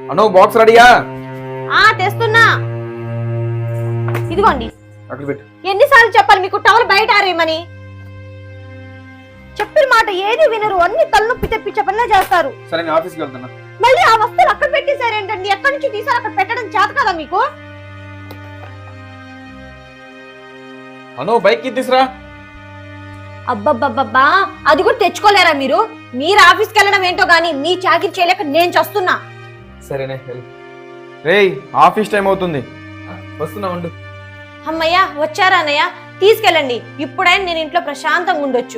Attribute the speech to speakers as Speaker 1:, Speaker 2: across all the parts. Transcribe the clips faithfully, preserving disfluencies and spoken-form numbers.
Speaker 1: అను box రెడీయా?
Speaker 2: ఆ తెస్తున్నా. ఇదిగోండి.
Speaker 1: అక్కడ పెట్టు.
Speaker 2: ఎన్నిసార్లు చెప్పాలి మీకు టవల్ బయట ఆరేయమని? చెప్పిన మాట ఏది వినరు, అన్ని తలనొప్పి తెప్పించే పనిలా చేస్తారు.
Speaker 1: సరే నేను ఆఫీస్కి వెళ్తున్నా.
Speaker 2: మళ్ళీ ఆ వస్తువులు అక్కడ పెట్టేశారేంటండి? ఎక్కడి నుంచి తీసారు? అక్కడ పెట్టడం చేత కదా మీకు?
Speaker 1: అను బైక్ తీసురా.
Speaker 2: అబ్బబ్బబ్బబ్బా, అది కూడా తెచ్చుకోలేరా మీరు? మీరు ఆఫీస్కి వెళ్ళడం ఏంటో గానీ మీ చాకరీ చేయలేక నేను చస్తున్నా.
Speaker 1: సరేనే రేయ్, ఆఫీస్ టైం అవుతుంది, వస్తున్నా ఉండు.
Speaker 2: అమ్మయ్యా వచ్చారా అన్నయ్య? తీసుకెళ్ళండి. ఇప్పుడైనా నేను ఇంట్లో ప్రశాంతంగా ఉండొచ్చు.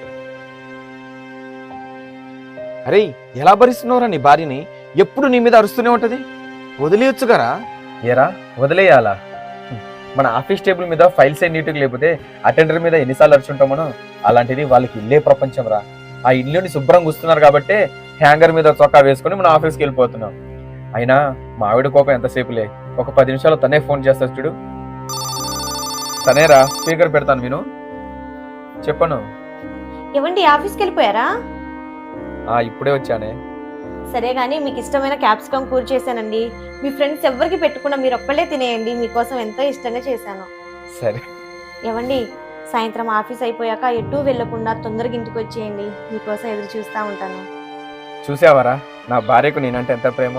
Speaker 1: అరే ఎలా భరిస్తున్నావురా నీ భార్యని? ఎప్పుడు నీ మీద అరుస్తూనే ఉంటది, వదిలేయొచ్చు కదా. ఏరా వదిలేయాలా? మన ఆఫీస్ టేబుల్ మీద ఫైల్స్ ఏ నీట్గా లేకపోతే అటెండర్ మీద ఎన్నిసార్లు అరుచుంటాం మనం. అలాంటిది వాళ్ళకి ఇల్లే ప్రపంచం రా. ఆ ఇల్లుని శుభ్రంగా వస్తున్నారు కాబట్టి హ్యాంగర్ మీద చొక్కా వేసుకుని మనం ఆఫీస్కి వెళ్ళిపోతున్నాం. అయినా మా ఆవిడ కోపం ఎంతసేపులే, ఒక పది నిమిషాలు తనే ఫోన్ చేస్తా చూడు. తనేరా, స్పీకర్ పెడతాను విను. చెప్పను.
Speaker 2: ఏవండి ఆఫీస్కి వెళ్ళిపోయారా?
Speaker 1: ఆ ఇప్పుడే వచ్చానే.
Speaker 2: సరే గానీ మీకు ఇష్టమైన క్యాప్సికమ్ కూర చేశానండి. మీ ఫ్రెండ్స్ ఎవరికి పెట్టుకున్నా మీరు ఒక్కళ్ళే తినేయండి. మీకోసం ఎంతో ఇష్టంగా చేశాను.
Speaker 1: సరే.
Speaker 2: ఏవండి సాయంత్రం ఆఫీస్ అయిపోయాక ఎటు వెళ్లకుండా తొందరగా ఇంటికి వచ్చేయండి. మీకోసం ఎదురు చూస్తా ఉంటాను.
Speaker 1: చూసావరా నా భార్యకు నేనంటే ఎంత ప్రేమో.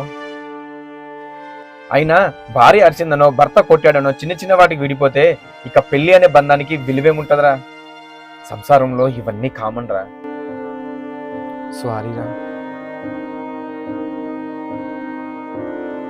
Speaker 1: అయినా భార్య అరిచిందనో భర్త కొట్టాడనో చిన్న చిన్న వాటికి విడిపోతే ఇక పెళ్లి అనే బంధానికి విలువేముంటదరా? సంసారంలో ఇవన్నీ కామన్ రా. సారీరా.